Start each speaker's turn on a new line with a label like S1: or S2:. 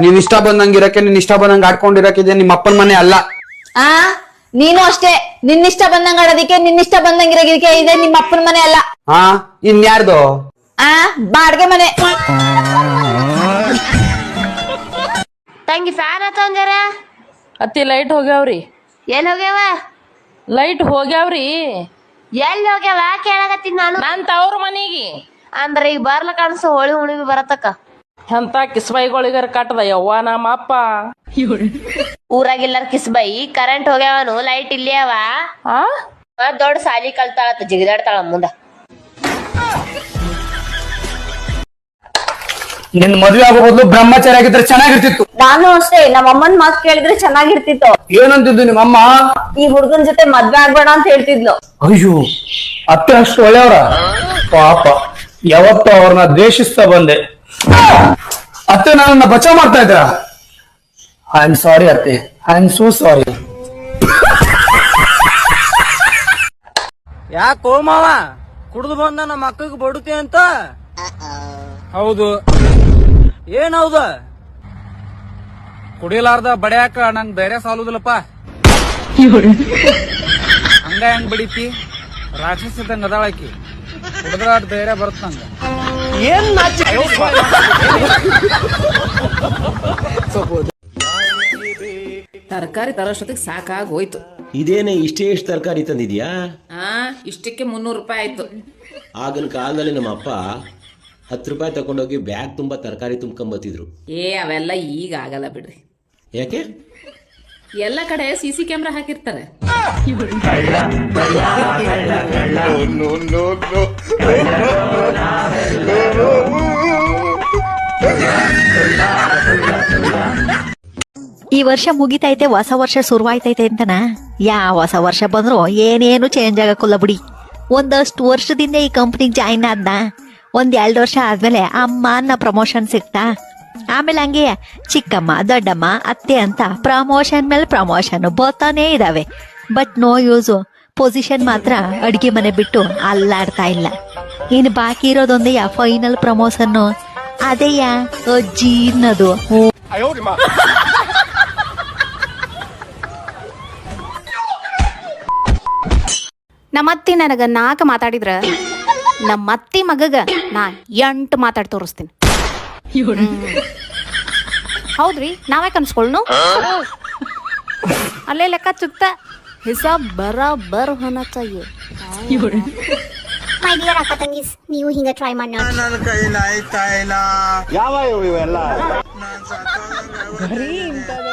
S1: ನೀನ್ ಇಷ್ಟ ಬಂದಂಗಿರಕ್ಕೆ ನೀನ್ ಇಷ್ಟ ಬಂದಂಗ ಆಡ್ಕೊಂಡಿರಕ್ಕೆ ನಿಮ್ಮ ಅಪ್ಪನ ಮನೆ ಅಲ್ಲ.
S2: ಆ ನೀನು ಅಷ್ಟೇ, ನಿನ್ನಿಷ್ಟ ಬಂದಂಗ ಆಡೋದಿಕ್ಕೆ ನಿನ್ನಿಷ್ಟ ಬಂದಂಗಿರೋದಕ್ಕೆ ಇದೆ ನಿಮ್ಮ ಅಪ್ಪನ ಮನೆ ಅಲ್ಲ.
S1: ಇನ್ಯಾರ್ದು?
S2: ಬಾಡ್ಗೆ ಮನೆ.
S3: ತಂಗಿ ಫ್ಯಾನ್ ಹತ್ತಂಜಾರ
S4: ಅತ್ತಿ ಲೈಟ್ ಹೋಗ್ಯಾವ್ರಿ.
S3: ಎಲ್ಲಿ ಹೋಗ್ಯಾವ?
S4: ಲೈಟ್ ಹೋಗ್ಯಾವ್ರಿ.
S3: ಎಲ್ಲಿ ಹೋಗ್ಯಾವ ಕೇಳಕತ್ತೀನಿ ನಾನು.
S4: ನಾನ್ ತವ್ರ ಮನಿಗೆ.
S3: ಅಂದ್ರೆ ಈಗ ಬರ್ಲ ಕಾಣಿಸು ಹೋಳಿ ಹುಣಿವಿ ಬರತಕ್ಕ.
S4: ಎಂತ ಕಿಸ್ಬೈಗಳಿಗಾರ ಕಟ್ಟದ ಯವ್ವ ನಮ್ಮ ಅಪ್ಪ.
S3: ಊರಾಗಿಲ್ಲಾರ ಕಿಸ್ಬೈ ಕರೆಂಟ್ ಹೋಗ್ಯಾವನು ಲೈಟ್ ಇಲ್ಲಿ ಅವ. ದೊಡ್ಡ ಸಾಲಿ ಕಲ್ತಾಳತ್ತ ಜಿಗಿದಾಡ್ತಾಳ ಮುಂದ.
S1: ನಿನ್ ಮದ್ವೆ ಆಗೋ ಬದಲು ಬ್ರಹ್ಮಚಾರಿ ಆಗಿದ್ರೆ ಚೆನ್ನಾಗಿರ್ತಿತ್ತು.
S2: ನಾನು ಅಷ್ಟೇ, ನಮ್ಮ ಅಮ್ಮನ್ ಮಾತು ಕೇಳಿದ್ರೆ ಚೆನ್ನಾಗಿರ್ತಿತ್ತು.
S1: ಏನಂತಿದ್ದು ನಿಮ್ಮಮ್ಮ?
S2: ಈ ಹುಡ್ಗನ್ ಜೊತೆ ಮದ್ವೆ ಆಗ್ಬೇಡ ಅಂತ ಹೇಳ್ತಿದ್ಲು.
S1: ಅಯ್ಯೋ, ಅತ್ತೆ ಅಷ್ಟು ಒಳ್ಳೆಯವರ? ಪಾಪ, ಯಾವತ್ತೂ ಅವ್ರನ್ನ ದ್ವೇಷಿಸ್ತಾ ಬಂದೆ. ಅತ್ತೆ ನನ್ನನ್ನ ಬಚಾವ್ ಮಾಡ್ತಾ ಇದ್ದೀರಾ? ಐ ಆಮ್ ಸಾರಿ ಅತ್ತೆ, ಐ ಆಮ್ ಸೋ ಸಾರಿ.
S5: ಯಾಕೋ ಮಾವ ಕುಡ್ದು ಬಂದ ನಮ್ಮ ಅಕ್ಕಗೆ ಬಡುತ್ತೆ ಅಂತ?
S6: ಹೌದು.
S5: ಏನೌದು?
S6: ಕುಡಿಲಾರ್ದ ಬಡಿಯಾಕ ನಂಗ್ ಧೈರ್ಯ ಸಾಲುದಿಲ್ಲಪ್ಪ. ಹಂಗ ಹೆಂಗ್ ಬಡಿತಿ? ರಾಕ್ಷಸಿದಂಗ ಅದಾಳಕಿ. ಕುಡಿದ್ರ ಧೈರ್ಯ ಬರುತ್ತ ನಂಗ.
S4: ತರಕಾರಿ ತರೋಷ್ಟೊತ್ತಿಗೆ ಸಾಕಾಗಿ ಹೋಯ್ತು.
S7: ಇದೇನೆ ಇಷ್ಟೇ ಎಷ್ಟು ತರಕಾರಿ ತಂದಿದ್ಯಾ?
S4: ಇಷ್ಟಕ್ಕೆ 300 ರೂಪಾಯಿ ಆಯ್ತು.
S7: ಆಗಿನ ಕಾಲದಲ್ಲಿ ನಮ್ಮ ಅಪ್ಪ 10 ರೂಪಾಯಿ ತಗೊಂಡೋಗಿ ಬ್ಯಾಗ್ ತುಂಬಾ ತರಕಾರಿ ತುಂಬ್ಕೊಂಬತ್ತಿದ್ರು.
S4: ಅವೆಲ್ಲ ಈಗ ಆಗಲ್ಲ ಬಿಡ್ರಿ.
S7: ಯಾಕೆ?
S4: ಎಲ್ಲ ಕಡೆ CC ಕ್ಯಾಮ್ರಾ ಹಾಕಿರ್ತಾರೆ.
S8: ಈ ವರ್ಷ ಮುಗಿತೈತೆ, ಹೊಸ ವರ್ಷ ಶುರುವಾಯ್ತೈತೆ ಅಂತನಾ? ಯಾವ ಹೊಸ ವರ್ಷ ಬಂದ್ರು ಏನೇನು ಚೇಂಜ್ ಆಗಕ್ಕಿಲ್ಲ ಬಿಡಿ. ಒಂದಷ್ಟು ವರ್ಷದಿಂದ ಈ ಕಂಪ್ನಿಗೆ ಜಾಯಿನ್ ಆದ್ನ, 1-2 ವರ್ಷ ಆದ್ಮೇಲೆ ಅಮ್ಮ ಅನ್ನೋ ಪ್ರಮೋಷನ್ ಸಿಕ್ತಾ. ಆಮೇಲೆ ಹಂಗೆ ಚಿಕ್ಕಮ್ಮ, ದೊಡ್ಡಮ್ಮ, ಅತ್ತೆ ಅಂತ ಪ್ರಮೋಷನ್ ಮೇಲೆ ಪ್ರಮೋಷನ್ ಬರ್ತಾನೇ ಇದಾವೆ. But no use. ಪೊಸಿಷನ್ ಮಾತ್ರ ಅಡ್ಗೆ ಮನೆ ಬಿಟ್ಟು ಅಲ್ಲಾಡ್ತಾ ಇಲ್ಲ. ಇನ್ನು ಬಾಕಿ ಇರೋದೊಂದೇ ಫೈನಲ್ ಪ್ರಮೋಷನ್, ಅದೇಯ ಅಜ್ಜಿ ಅನ್ನೋದು.
S9: ನಮ್ಮತ್ತಿ ನನಗ 4 ಮಾತಾಡಿದ್ರ ನಮ್ಮತ್ತಿ ಮಗಗ ನಾ 8 ಮಾತಾಡಿ ತೋರಿಸ್ತೀನಿ. ಹೌದ್ರಿ, ನಾವೇ ಕನ್ಸ್ಕೊಳ್ನು. ಅಲ್ಲೇ ಲೆಕ್ಕ ಚುಕ್ತ ಹಿಸಾಬ್ ಬರಾಬರ್ ಹೋನಾ ಚಾಹಿಯೆ.
S10: ಮೈ ಡಿಯರ್ ಅಕ್ಕ ತಂಗೀಸ್, ನೀವು ಹಿಂಗ ಟ್ರೈ ಮಾಡಿ ನೋಡಿ.
S5: ನನ್ನ ಕೈಲಾಯ್ತಾ ಇಲ್ಲ. ಯಾವ ಇವೆಲ್ಲ